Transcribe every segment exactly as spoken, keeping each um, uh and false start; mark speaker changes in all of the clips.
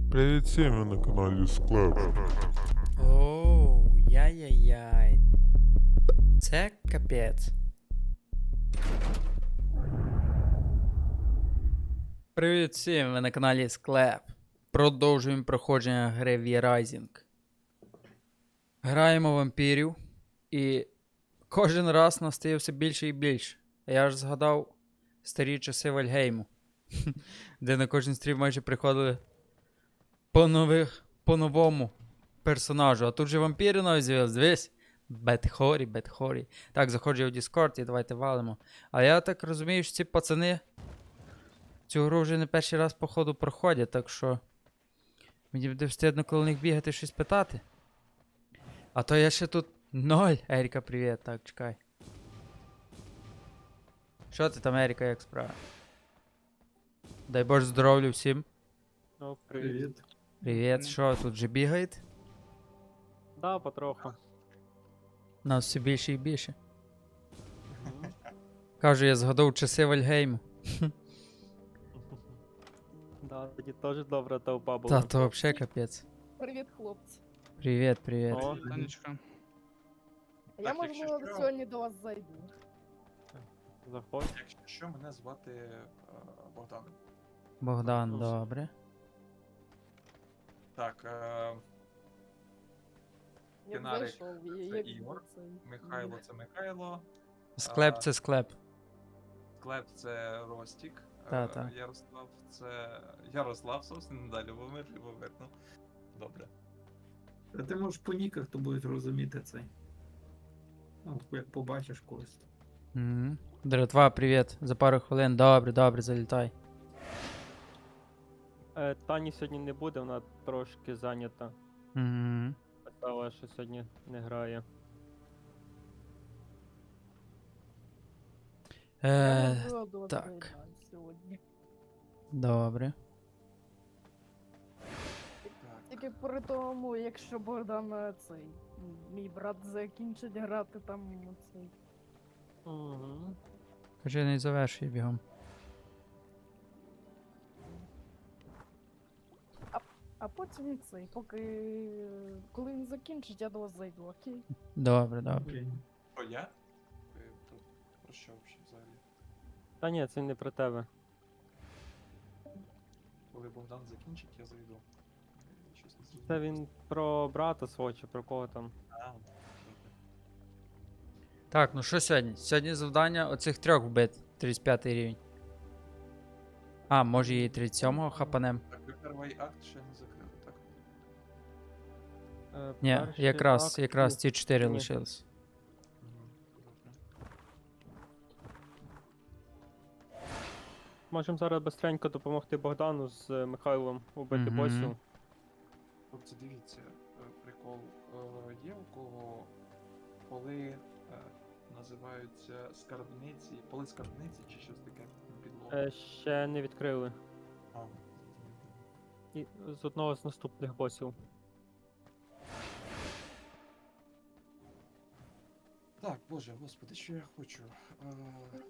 Speaker 1: Привіт всім, ви на каналі Склеп.
Speaker 2: Оу, яй-яй-яй. Це капець. Привіт всім, ви на каналі Склеп. Продовжуємо проходження гри V-Rising. Граємо вампірів. І кожен раз нас стає все більше і більше. Я ж згадав старі часи Вальгейму. Де на кожен стрім майже приходили по нових, по новому персонажу. А тут же вампіри навіть з'явились, дивись. Бетхорі, Бетхорі. Так, заходжу я в Discord і давайте валимо. А я так розумію, що ці пацани цю гру вже не перший раз, походу, проходять, так що мені буде встидно коло них бігати щось питати. А то я ще тут ноль. Еріка, привіт. Так, чекай. Що ти там, Еріка, як справа? Дай Боже здоров'я всім.
Speaker 3: Ну, привіт.
Speaker 4: Привіт.
Speaker 2: Привіт, що тут же бігаєте?
Speaker 3: Да, потроху.
Speaker 2: Нас все більше і більше.
Speaker 3: Мгм.
Speaker 2: Кажу, я згадав часи Вальгейму.
Speaker 3: Да, тоді теж добра толпа
Speaker 2: Та
Speaker 3: була.
Speaker 2: то взагалі капець.
Speaker 5: Привіт, хлопці.
Speaker 2: Привіт, привіт.
Speaker 3: О,
Speaker 4: Танечка.
Speaker 5: Я,
Speaker 6: Так,
Speaker 5: можливо,
Speaker 6: якщо що-
Speaker 5: сьогодні до вас зайду.
Speaker 3: заходь.
Speaker 6: Якщо що, мене звати е, Богдан.
Speaker 2: Богдан,
Speaker 3: Ну,
Speaker 2: добре.
Speaker 6: Так, е,
Speaker 5: Я б
Speaker 6: Фінарик
Speaker 5: зайшов, і
Speaker 6: це
Speaker 5: як
Speaker 6: Ігор,
Speaker 5: цей,
Speaker 6: Михайло це Михайло,
Speaker 2: Склеп
Speaker 6: А,
Speaker 2: це склеп.
Speaker 6: Клеп це Ростік, е,
Speaker 2: Та-та.
Speaker 6: Ярослав це Ярослав, собственно, далі Любомир, Любомир, ну, добре.
Speaker 4: Та ти можеш по ніках, то будуть розуміти цей. Ну, як побачиш когось.
Speaker 2: Угу. Дратва, привіт. За пару хвилин. Добре, добре, залітай.
Speaker 3: Е, Тані сьогодні не буде, вона трошки зайнята.
Speaker 2: Угу.
Speaker 3: Казала, що сьогодні не грає.
Speaker 5: Я,
Speaker 2: Е,
Speaker 5: можливо, до вас
Speaker 2: так.
Speaker 5: зайду сьогодні.
Speaker 2: добре.
Speaker 6: Так,
Speaker 5: Тільки при тому, якщо Богдан е, цей, м, мій брат закінчить грати там цей.
Speaker 3: Угу.
Speaker 2: Кажи, не завершуй бігом.
Speaker 5: А потім цей, поки е, коли він закінчить, я до вас зайду, окей?
Speaker 2: Добре, добре.
Speaker 4: Окей.
Speaker 6: про я? Ви про, про що взагалі взагалі?
Speaker 3: Та ні, це не про тебе.
Speaker 6: Коли Богдан закінчить, я зайду. Е, Щось не зрозумів.
Speaker 3: Це він про брата свого чи про кого там.
Speaker 6: А, добре.
Speaker 2: Так, ну що сьогодні? Сьогодні завдання оцих трьох вбити. тридцять п'ятий рівень. А, може і тридцять сьомого хапанем.
Speaker 6: Так, ви перший акт ще не закрили, так?
Speaker 3: Е,
Speaker 2: Ні,
Speaker 3: перший
Speaker 2: якраз,
Speaker 3: акт,
Speaker 2: якраз
Speaker 3: ні.
Speaker 2: ці чотири
Speaker 3: Ні.
Speaker 2: лишились.
Speaker 6: Мгм, добре.
Speaker 3: Можемо зараз бистренько допомогти Богдану з е, Михайлом убити
Speaker 2: Мгм.
Speaker 3: босів.
Speaker 6: Хлопці, дивіться, е, прикол е, є у кого поли е, називаються скарбниці, поли скарбниці чи щось таке на підлогу.
Speaker 3: Е, ще не відкрили.
Speaker 6: А,
Speaker 3: І з одного з наступних босів.
Speaker 6: так, боже, господи, що я хочу? Е,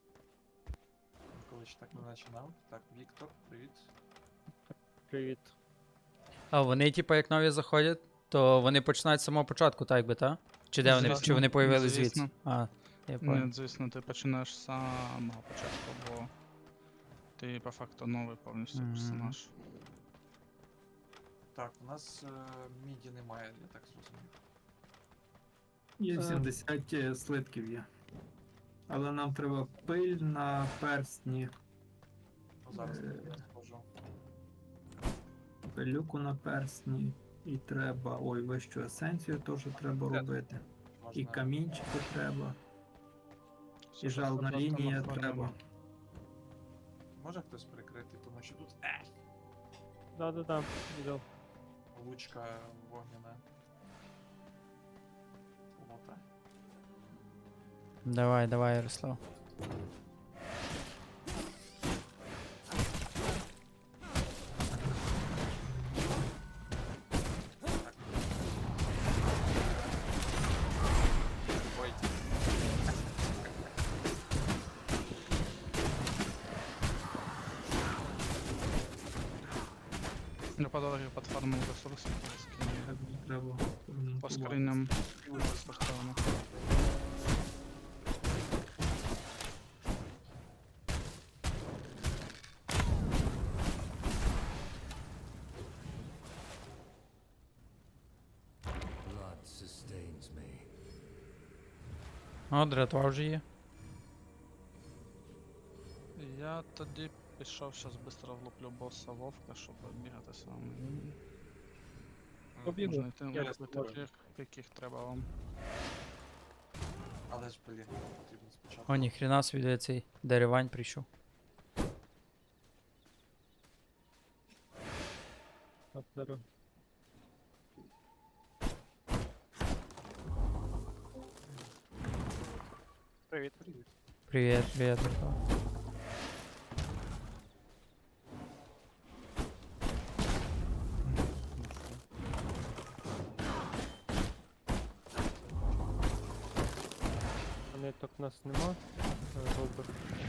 Speaker 6: Коли ще так не починав. Так, Віктор, привіт.
Speaker 3: Привіт.
Speaker 2: А вони, типу, як нові заходять, то вони починають з самого початку, так би, так? Чи де вони,
Speaker 7: Звісно,
Speaker 2: чи вони появились
Speaker 7: звісно.
Speaker 2: звідси? А, я понял.
Speaker 7: Ні, звісно, ти починаєш з самого початку, бо ти по факту новий повністю
Speaker 2: Мгм.
Speaker 7: персонаж.
Speaker 6: Так, у нас е, міді немає, я так зрозумів.
Speaker 4: Є
Speaker 3: Е.
Speaker 4: сімдесят е, слитків є. Але нам треба пиль на перстні,
Speaker 6: Ну, зараз
Speaker 4: Е.
Speaker 6: я схожу.
Speaker 4: пилюку на перстні. І треба. Ой, вищу есенцію теж треба
Speaker 6: Де?
Speaker 4: робити. І
Speaker 6: Можна...
Speaker 4: камінчики треба. І
Speaker 7: Все,
Speaker 4: жална
Speaker 7: просто
Speaker 4: лінія
Speaker 7: находимо.
Speaker 4: треба.
Speaker 6: Може хтось прикрити, тому що тут е,
Speaker 3: Да-да-да, відео.
Speaker 6: лучка вогняна. Лота.
Speaker 2: Давай, давай, Ярослав.
Speaker 6: Ой.
Speaker 7: Я по дорозі підфармив ресурси, скинув
Speaker 4: Так не треба.
Speaker 7: по
Speaker 4: ремонтувати.
Speaker 7: скриням безкоштовно.
Speaker 8: Blood sustains me.
Speaker 2: О, дратва вже є.
Speaker 7: Я тоді пішов, щас швидко влуплю боса Вовка, щоб бігати сам.
Speaker 3: Побігли.
Speaker 7: Можна йти
Speaker 3: Я
Speaker 7: лупити
Speaker 3: спробую.
Speaker 7: тих, яких треба вам.
Speaker 6: Але ж, блін, потрібно спочатку.
Speaker 2: О, ніхрена собі де цей деревань прийшов.
Speaker 3: От, зараз. Привіт. Привіт.
Speaker 2: Привіт, привіт, братва.
Speaker 3: Ниток у нас нема. Е, Робер.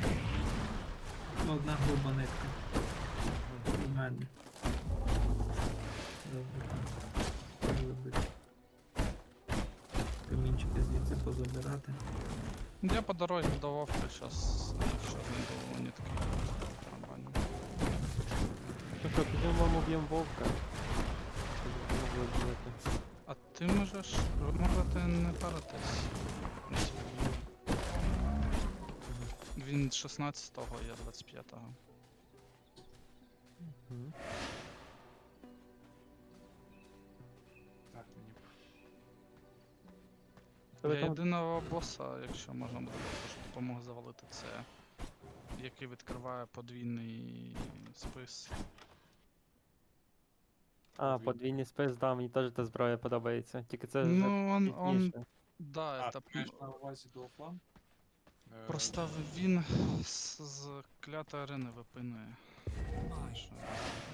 Speaker 4: Одна груба нитка. У мене. Добре. Вибити. Камінчики звідси позабирати.
Speaker 7: Я по дорозі до Вовка щас, якщо не було нітки. Нормально.
Speaker 3: Ну що, підемо вам уб'ємо вовка. Щоб ви могли вбити.
Speaker 7: А ти можеш, ви можете не паритись. Він шістнадцятого, я двадцять п'ятого.
Speaker 3: Мгм.
Speaker 6: Так, мені
Speaker 3: Але
Speaker 7: Для
Speaker 3: там
Speaker 7: єдиного боса, якщо можна буде, щоб допомог завалити, це який відкриває подвійний спис.
Speaker 3: А, подвійний спис, да, мені теж та зброя подобається. Тільки це вже
Speaker 7: Ну, он, он,
Speaker 3: пізніше.
Speaker 7: да,
Speaker 6: А,
Speaker 7: це
Speaker 6: ти маєш на увазі дуофлан? Е,
Speaker 7: просто він з, з клятої арени випинує. Знаєш, е,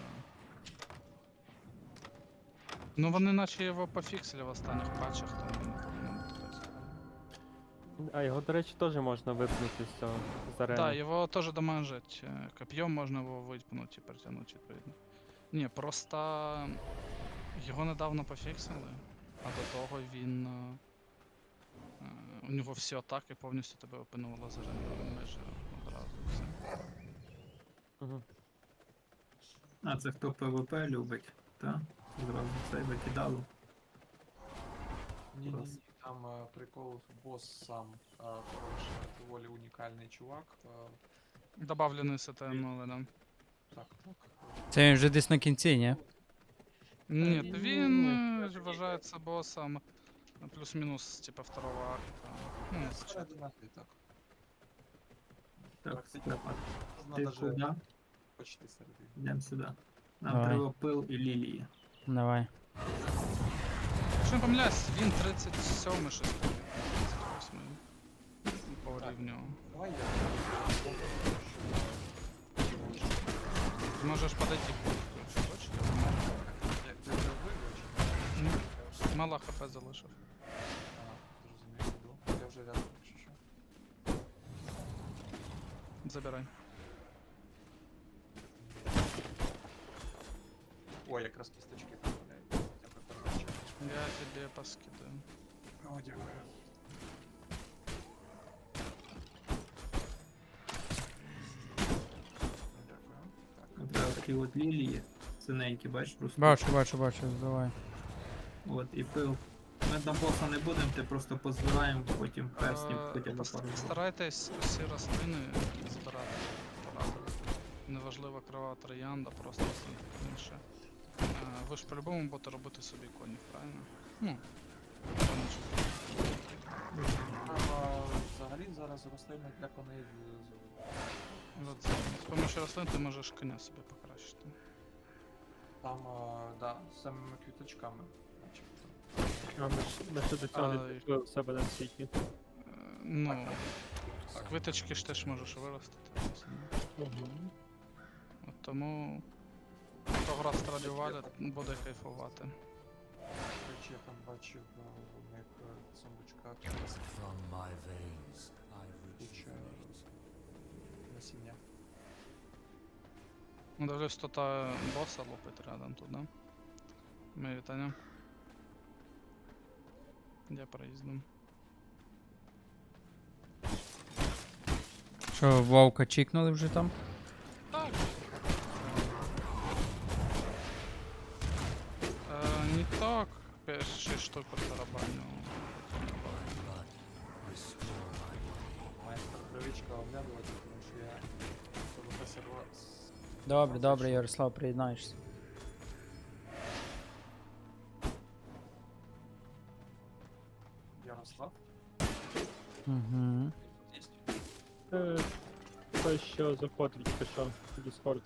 Speaker 7: Ну вони наче його пофіксили в останніх патчах, тому не повинен бути так складно.
Speaker 3: А його, до речі, теж можна випнути з цього з арени.
Speaker 7: Так, його теж дамажить. е, Коп'єм можна його випнути і перетягнути відповідно. Ні, просто його недавно пофіксили, а до того він. е, е, У нього всі атаки повністю тебе опинувало з арени майже одразу і все.
Speaker 3: Мгм.
Speaker 4: А це хто ПВП любить, так? Зразу це викидало.
Speaker 6: Ні, ні,
Speaker 4: Раз.
Speaker 6: ні, там е, прикол бос сам е, хороший, доволі унікальний чувак. е,
Speaker 7: Добавлений СТМ, але да.
Speaker 6: Так, так.
Speaker 2: Це він вже десь на кінці, ні?
Speaker 7: Ні,
Speaker 3: ні,
Speaker 7: він
Speaker 3: ні.
Speaker 7: е, вважається босом е, плюс-мінус, типа второго акта. Ну,
Speaker 6: Ну,
Speaker 7: спочатку.
Speaker 6: середина гри, так.
Speaker 4: Так,
Speaker 6: Практично.
Speaker 4: Степан,
Speaker 6: Можна
Speaker 4: ти
Speaker 6: даже
Speaker 4: куди?
Speaker 6: почти середину.
Speaker 4: Йдемо сюди. Нам
Speaker 2: Давай.
Speaker 4: треба пил і лілії.
Speaker 2: Давай.
Speaker 7: Якщо не помиляюсь, він тридцять сьомий щось таке, тридцять восьмий по
Speaker 6: Так.
Speaker 7: рівню.
Speaker 6: Давай я.
Speaker 7: Ти можеш подойти, якщо хочеш.
Speaker 6: Як ти вже вибач?
Speaker 7: Ні. Мало хп залишив.
Speaker 6: Ага, зрозумів, іду. Я вже рядом, якщо що.
Speaker 7: Забирай.
Speaker 6: О, якраз кісточки поправляють. Дякую, передача.
Speaker 7: Я тебе поскидаю.
Speaker 6: О, дякую. Дякую. Так.
Speaker 4: Треба такі от лілії. Синенькі, бачиш, ростуть.
Speaker 2: Бачу, бачу, бачу, давай.
Speaker 4: От і пил. Ми на боса не будемо, ти просто позбираємо, потім перснів
Speaker 7: Е,
Speaker 4: хоча б
Speaker 7: пос-
Speaker 4: пару.
Speaker 7: Старайтесь всі рослини збирати поразили. Неважливо крова троянда, просто все інше. Е, Ви ж по-любому будете робити собі конів, правильно? Ну, вони ж-
Speaker 6: А, взагалі зараз рослини для коней з- з-
Speaker 7: От, з помощью рослин ти можеш коня собі покращити.
Speaker 6: там, а, да, з самими квіточками. начебто.
Speaker 3: А, ми, ж- ми ще до цього не
Speaker 7: А,
Speaker 3: дійшли у себе на світі.
Speaker 7: Е, Ну,
Speaker 6: Так.
Speaker 7: квиточки ж теж можеш виростити. От тому хто гра страдювали, буде кайфувати.
Speaker 6: До речі, я там бачив а, у них е, в сундучках якраз
Speaker 8: From my veins, I
Speaker 6: куча
Speaker 8: rejuvenate.
Speaker 6: насіння.
Speaker 7: Ну, дивлюсь, тут а, боса лупить рядом тут, да? Ми вітання. Я проїздом.
Speaker 2: Що, вовка чікнули вже там?
Speaker 7: Так. Е, не так. Шість штук по тарабаню.
Speaker 6: Майстер привичка оглядувати, тому що я ПВП сервер.
Speaker 2: Добре, добре, Ярослав, приєднаєшся.
Speaker 6: Ярослав?
Speaker 2: Угу.
Speaker 3: Е, Той, що заходить, пішов в Discord.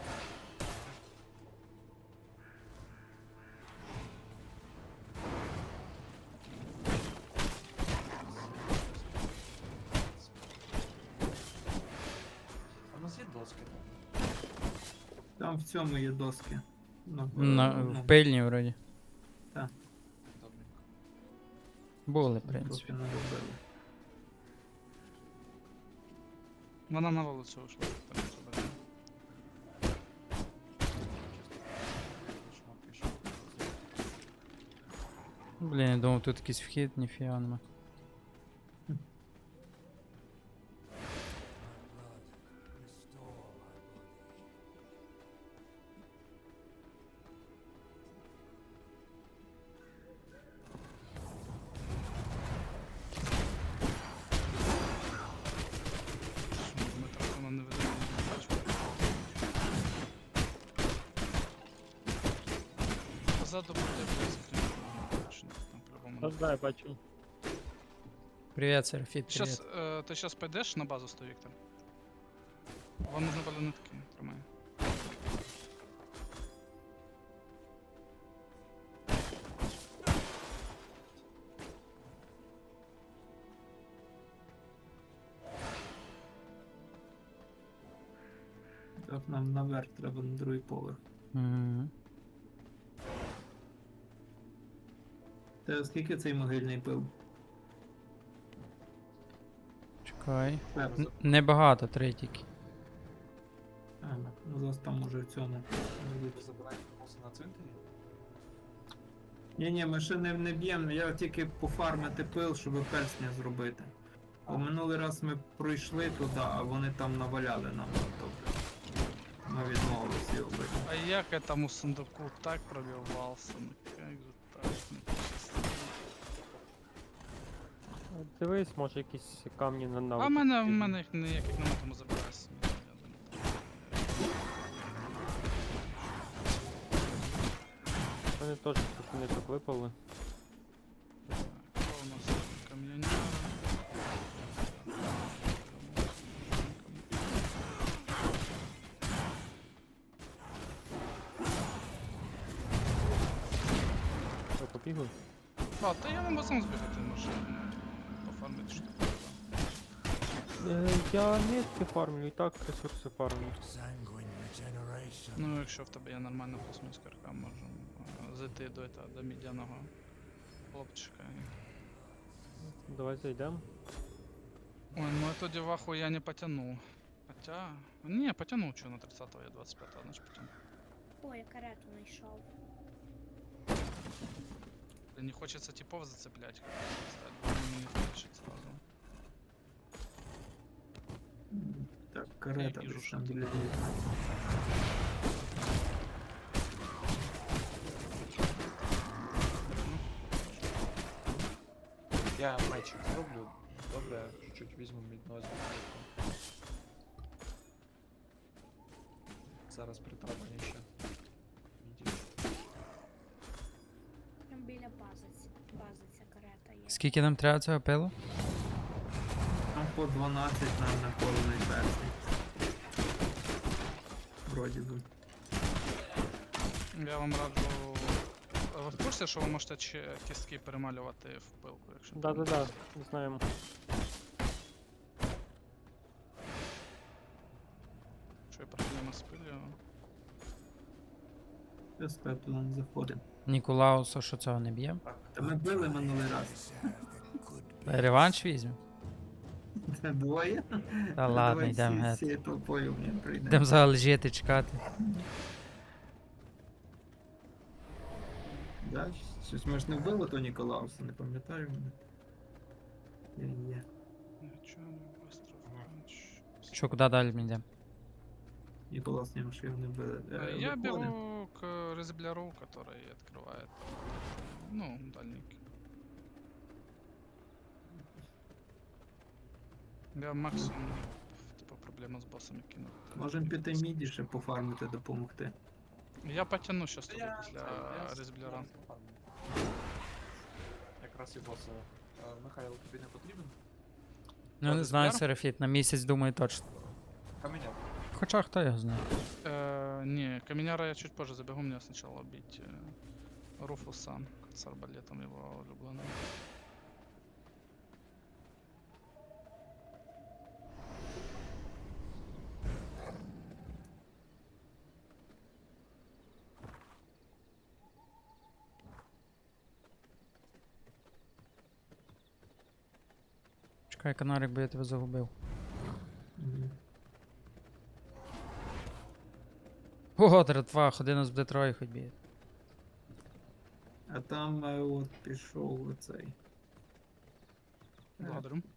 Speaker 6: А у нас є доски, так?
Speaker 4: Там в цьому є доски. Ну,
Speaker 2: На,
Speaker 4: ну,
Speaker 2: в пильні вроді.
Speaker 6: Добренько.
Speaker 2: Були, в принципі.
Speaker 4: трохи не робили.
Speaker 7: Вона на вулицю вийшла. Так, заберемо.
Speaker 6: Шмотки, що.
Speaker 2: Блін, я думав, тут якийсь вхід, ніфіга нема.
Speaker 7: Що, Дмитро, вона не веде, не бачу. Позаду буде близько. Точно, там по-любому.
Speaker 3: Та знаю, бачу.
Speaker 2: Привіт, Серафіт, привіт.
Speaker 7: Щас, е, ти зараз пойдеш на базу сто, Віктор? Вам нужно були нитки, тримай.
Speaker 4: Так, нам наверх треба на другий поверх.
Speaker 2: Угу.
Speaker 4: Та скільки цей могильний пил?
Speaker 2: Чекай.
Speaker 4: Перс.
Speaker 2: Н- Небагато, три тільки.
Speaker 4: Ага, ну зараз там може в цьому.
Speaker 6: Ви забираєте боса на цвинтарі?
Speaker 4: Ні, ні, ми ще не, не б'ємо, я тільки пофармити пил, щоб персня зробити. Бо минулий раз ми пройшли туди, а вони там наваляли нам. Тобто ми відмовилися його бити.
Speaker 7: А я к этому сундуку так пробивался, ну как же так, ну честно.
Speaker 3: Дивись, може якісь камні на
Speaker 7: А
Speaker 3: навик.
Speaker 7: в мене, в мене їх ніяких нема, тому забирайся. Я думаю,
Speaker 3: Вони теж тут не так випали.
Speaker 7: так. Так, що у нас? Кам'яняра.
Speaker 3: Що, побігли?
Speaker 7: А, та я можу сам збігати, може пофармити штуку.
Speaker 3: Е, я нитки фармлю, і так ресурси фармлю.
Speaker 8: Sanguine regeneration.
Speaker 7: Ну, якщо в тебе є нормальна плюс-мінус карка, можемо е, зайти до, этого, до мідяного хлопчика. і-
Speaker 3: Давай зайдемо.
Speaker 7: Ой, ну эту деваху я не потяну. Хотя... Не, потянул, что на тридцатого я двадцать пятого, значит потяну.
Speaker 9: Ой, я карету знайшов.
Speaker 7: Блин, не хочется типов зацеплять, как стать. Блин, не хочет сразу.
Speaker 4: Так, карета
Speaker 7: вижу,
Speaker 4: десь
Speaker 7: що
Speaker 4: там
Speaker 7: тут.
Speaker 4: біля них.
Speaker 6: Я мечик зроблю. Добре, чуть-чуть візьму мідного звуку. Зараз притрапані ще. Міді.
Speaker 9: Там біля бази, ц- бази ця карета є.
Speaker 2: Скільки нам треба цього пилу?
Speaker 4: Там по дванадцять нам наколений персень. Вроді би.
Speaker 7: Я вам раджу. Ви в курсі, що ви можете чи- кістки перемалювати в пилку, якщо
Speaker 3: Да-да-да, знаємо.
Speaker 7: Що є проблема з пилью.
Speaker 4: Я сказав, туди не заходимо.
Speaker 2: Ніколауса, що цього не б'є?
Speaker 4: Та ми били минулий раз.
Speaker 2: Реванш візьмемо?
Speaker 4: Це двоє?
Speaker 2: Та ладно,
Speaker 4: Давай
Speaker 2: йдемо
Speaker 4: всі-
Speaker 2: геть.
Speaker 4: всією толпою мені прийдемо.
Speaker 2: Йдемо взагалі жити, чекати.
Speaker 4: Да? Щось ми ж не вбили то Ніколауса, не пам'ятаю мене. Є, є.
Speaker 7: Нічого не быстро вконч.
Speaker 2: Що, куди далі ми йдемо?
Speaker 4: Ніколаус не що його не вбили. Е,
Speaker 7: Э, Я
Speaker 4: виходимо.
Speaker 7: бегу к резбляру, который открывает, ну, дальники. Я максимум, типа, проблема з боссами кину.
Speaker 4: Можемо піти міді ще пофармити, допомогти.
Speaker 7: Я потяну щас туди
Speaker 6: Я
Speaker 7: після
Speaker 6: цей, я
Speaker 7: резбляра.
Speaker 6: зараз пофармлю. Якраз і боса. Е, Михайло, тобі не потрібен?
Speaker 2: Ну не
Speaker 7: Ладно,
Speaker 2: знаю,
Speaker 7: збір?
Speaker 2: Серафіт, на місяць думаю точно.
Speaker 6: Каменяк.
Speaker 2: Хоча хто його знає.
Speaker 7: Э, не, каменяра я чуть позже забегу, мне сначала убить э, Руфуса с арбалетом его влюбленным.
Speaker 2: Чекай, канарик, бо я тебе загубив.
Speaker 4: Мгм.
Speaker 2: Ого, дратва, ходи нас буде троє хоч б'є.
Speaker 4: А там е, от пішов оцей. Е,
Speaker 7: Благодарю.